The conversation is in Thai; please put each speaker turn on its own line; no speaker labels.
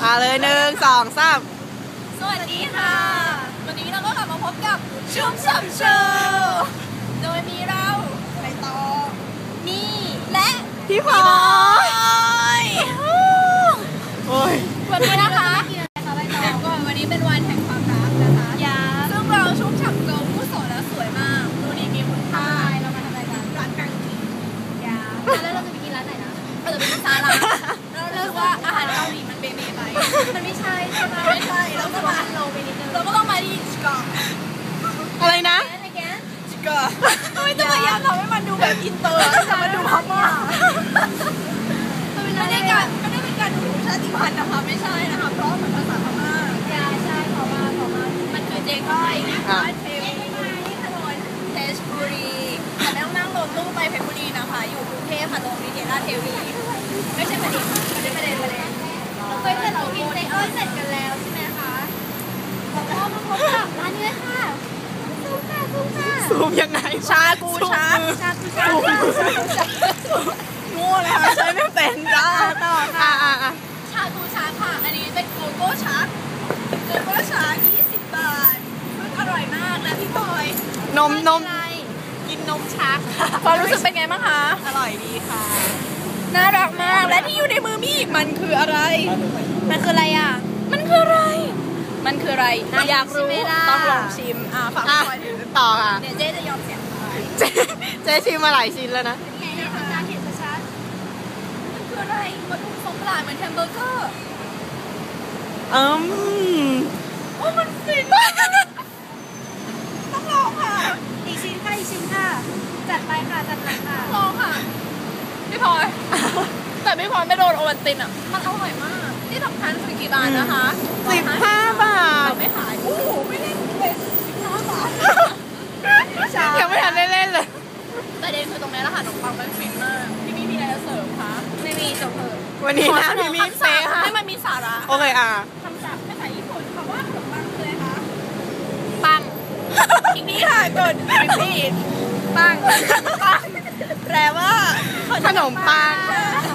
เลย1 2 3
สวัสดีค่ะวันนี้เราก็กลับมาพบกับชุ่มฉ่ำโชว์โดยมีเราใบตองนี่และ
พี่พลอยโอ้ย
วันนี้นะคะวันนี้เป็นวันแห่งความรักนะคะซึ่งเราชุ่มฉ่ำเกิร์ลผู้โสดและสวยมากดูดีมีคุณค่าเรามาทำอะไรกันร้านกังกีแล้วเราจะไปกินร้านไหนนะเราจะไปกินซาลาเราเลือกว่าอาหารเกาหลีมันเบเบ้ไปมันไม่ใช่ใช่ไหมไม่ใช่เราก็มาโลไปนิดนึงเราก็ต้องมาที่ชิคา
อะไรนะ
ชิคาไม่ต้องพยายามทำให้มันดูแบบอินเตอร์แต่มันดูพม่าไม่ได้เป็นการดูชาติพันธุ์นะคะไม่ใช่นะคะเพราะมันภาษาพม่าใช่พม่ามันคือเจ๊ก้อยนะคะเทวีถนนเพชรบุรีแต่ต้องนั่งรถตู้ไปเพชรบุรีนะคะอยู่กรุงเทพค่ะลงวิทยาลัยเทวีไม่ใช่ประเด็นเราเคยเสร็จเรากินเจ๊ก้อยเสร็จกันแล้วใช่ไหมคะแล้วก็มาพบกับร้านนี้ค่ะ
ซูมยังไง
ชากูงูเลยค่ะใช้ไม่เป็นจ้า
ต่อค่ะ
ชากูชาค่ะอันนี้เป็นโกโก้ชา20 บาทอร่อยมากนะพี่พลอย
นมกินนมชัก
ความรู้สึกเป็นไงบ้างคะ
อร่อยดีค่ะ
น่ารักมากและที่อยู่ในมือมี่มันคืออะไรอ่ะมันคืออะไรอยากรู้ต้องลองชิมฝากพี่พลอย
ต่อค่ะ
เนี่ยเจ๊จะยอมเสียง
เจ๊ชิมมาหลายชิ้นแล้วนะ
ไงนะคะเห็นชัดมันคืออะไรมันดูสงกรานต์เหมือนแฮมเบอร์เกอร์โอ้มันฟินมากต้องลองค่ะอีกชิ้นค่ะจัดไปค่ะลองค่ะพี่พลอยแต่พี่พลอยไม่โดนโอวัลตินอ่ะมันอร่อยมากที่สำคัญคือกี่บาทนะคะ
15 บาท
เราไม่ขายโอ้โหไม่เล่นเป็น15 บาท
ยังไม่ทันได้เล่นเลย
ประเด็นคือตรงนี้แหละค่ะขนมปังมันฟินมากพี่มีอะไรจะเสริมคะไม่มีจบเลย
วันนี้นะพี่มีเซ่ค่ะ
ให้มันมีสาระ
โอเค
คำศัพท์ภาษาญี่ปุ่นคำว่าขนมปังคืออะไรคะปังอีกนี้ค่ะกดรีบปังแปลว่า
ขนมปัง